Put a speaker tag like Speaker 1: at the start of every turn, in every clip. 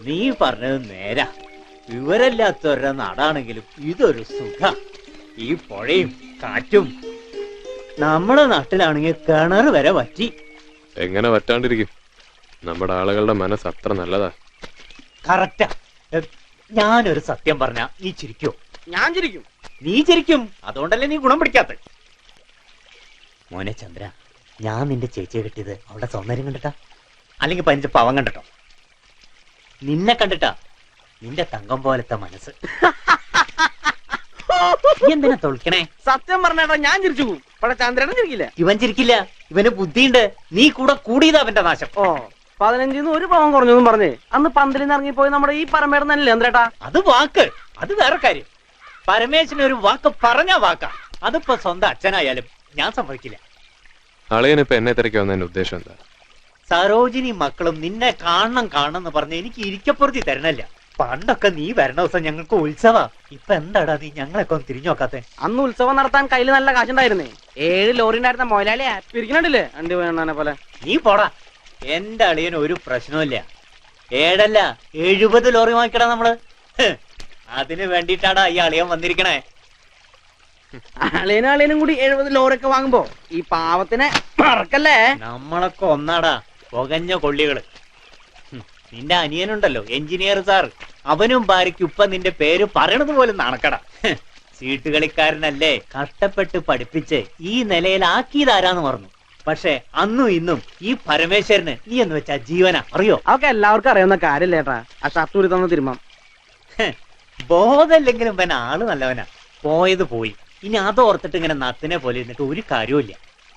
Speaker 1: നീ പറഞ്ഞത് നേരാ. വിവരമില്ലാത്തവരുടെ നാടാണെങ്കിലും ഇതൊരു സുഖ. ഈ പുഴയും കാറ്റും. നമ്മുടെ നാട്ടിലാണെങ്കിൽ കിണർ വരെ വറ്റി.
Speaker 2: എങ്ങനെ വറ്റാണ്ടിരിക്കും? നമ്മുടെ ആളുകളുടെ മനസ്സ് അത്ര നല്ലതാ.
Speaker 1: കറക്റ്റാ. ഞാനൊരു സത്യം പറഞ്ഞ നീ ചിരിക്കോ?
Speaker 3: ഞാൻ ചിരിക്കും.
Speaker 1: നീ ചിരിക്കും. അതുകൊണ്ടല്ലേ നീ ഗുണം പിടിക്കാത്ത. മോനെ ചന്ദ്ര, ഞാൻ നിന്റെ ചേച്ചിയെ കിട്ടിയത് അവളുടെ സൗന്ദര്യം കണ്ടിട്ടാ, അല്ലെങ്കിൽ 15 പാവം കണ്ടിട്ടോ? നിന്നെ കണ്ടിട്ടാ. നിന്റെ തങ്കം പോലത്തെ മനസ്സ്. എന്തിനാ തൊളിക്കണേ?
Speaker 3: സത്യം പറഞ്ഞേട്ടാ ഞാൻ ചിരിച്ചു പോകും. പക്ഷെ ചന്ദ്രേട്ടൻ ചിരിക്കില്ല.
Speaker 1: ഇവൻ ചിരിക്കില്ല. ഇവന് ബുദ്ധിയുണ്ട്. നീ കൂടെ കൂടിയതാ അവന്റെ നാശം.
Speaker 3: ഓ 15 ഒരു പാവം കുറഞ്ഞെന്നും പറഞ്ഞേ അന്ന് പന്തലിൽ നിന്ന് ഇറങ്ങിപ്പോയി നമ്മുടെ ഈ പരമേടം തന്നെയല്ലേ ചന്ദ്രേട്ടാ?
Speaker 1: അത് വാക്ക്. അത് വേറെ കാര്യം. പരമേശ്വരൻ ഒരു വാക്ക് പറഞ്ഞ വാക്കാ. അതിപ്പോ സ്വന്തം അച്ഛനായാലും ഞാൻ സമ്മതിക്കില്ല.
Speaker 2: അളിയനിപ്പോ എന്നെ തിരക്കി വന്നതിന്റെ ഉദ്ദേശം എന്താ?
Speaker 1: സരോജിനി മക്കളും നിന്നെ കാണണം എന്ന് പറഞ്ഞ് എനിക്ക് ഇരിക്കപ്പുറത്തി തരണല്ല. പണ്ടൊക്കെ നീ വരണ ദിവസം ഞങ്ങൾക്ക് ഉത്സവാ. ഇപ്പൊ എന്താടാ നീ ഞങ്ങളൊക്കെ ഒന്ന് തിരിഞ്ഞു നോക്കാത്തെ?
Speaker 3: അന്ന് ഉത്സവം നടത്താൻ കയ്യിൽ നല്ല കാശുണ്ടായിരുന്നേ. 7 ലോറി ഉണ്ടായിരുന്ന മൊയലാളിയാ പിരിക്കണില്ലേ അണ്ടി വേണനെ പോലെ.
Speaker 1: നീ പോടാ. എന്റെ അളിയന് ഒരു പ്രശ്നമില്ല. 7 അല്ല 70 ലോറി വാങ്ങിക്കടാ നമ്മള്. അതിന് വേണ്ടിട്ടാടാ ഈ അളിയൻ വന്നിരിക്കണേ.
Speaker 3: അളിയനും കൂടി 70 ലോറിയൊക്കെ വാങ്ങുമ്പോ ഈ പാവത്തിനെ മറക്കല്ലേ.
Speaker 1: നമ്മളൊക്കെ ഒന്നാടാ പുകഞ്ഞ കൊള്ളികള്. നിന്റെ അനിയനുണ്ടല്ലോ എഞ്ചിനീയർ സാർ, അവനും ഭാര്യയ്ക്കും ഇപ്പൊ നിന്റെ പേര് പറയണത് പോലും നാണക്കട. സീട്ട് കളിക്കാരനല്ലേ, കഷ്ടപ്പെട്ട് പഠിപ്പിച്ച് ഈ നിലയിലാക്കിയതാരാന്ന് പറഞ്ഞു. പക്ഷെ അന്നും ഇന്നും ഈ പരമേശ്വരന് നീ എന്ന് വെച്ചാ ജീവനാ. അറിയോ?
Speaker 3: അതൊക്കെ എല്ലാവർക്കും അറിയാവുന്ന കാര്യല്ലേട്ടാ. ആ ഷർട്ട് ഊരി തന്ന തിരുമ്മം.
Speaker 1: ബോധമില്ലെങ്കിലും ഇവൻ ആള് നല്ലവനാ. പോയത് പോയി. ഇനി അതോർത്തിട്ട് ഇങ്ങനെ നത്തിനെ പോലെ ഇരുന്നിട്ട് ഒരു കാര്യമില്ല.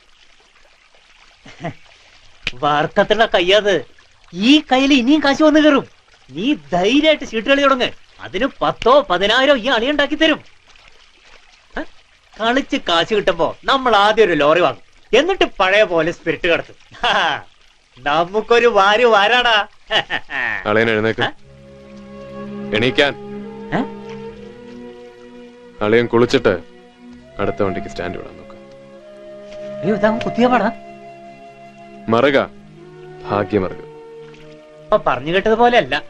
Speaker 1: വാർക്കത്തുള്ള കയ്യാത്. ഈ കയ്യിൽ ഇനിയും കാശ് വന്നു കയറും. നീ ധൈര്യമായിട്ട് ചീട്ട് കളി തുടങ്ങ്. അതിന് 10,000 10,000 ഈ അളിയുണ്ടാക്കി തരും. കളിച്ച് കാശ് കിട്ടുമ്പോ നമ്മൾ ആദ്യം ഒരു ലോറി വാങ്ങും. എന്നിട്ട് പഴയ പോലെ സ്പിരിറ്റ് കടത്തും. നമുക്കൊരു വാരാടാ.
Speaker 2: അളിയൻ എഴുന്നേക്ക്. എണീക്കാൻ. അളിയൻ കുളിച്ചിട്ട് അടുത്ത വണ്ടിക്ക് സ്റ്റാൻഡ് വിടാൻ നോക്കാം.
Speaker 1: അയ്യോ ഇതാ കുത്തിയ പാടാ.
Speaker 2: മറുക ഭാഗ്യമറുക.
Speaker 1: അപ്പൊ പറഞ്ഞു കേട്ടതുപോലെ അല്ല.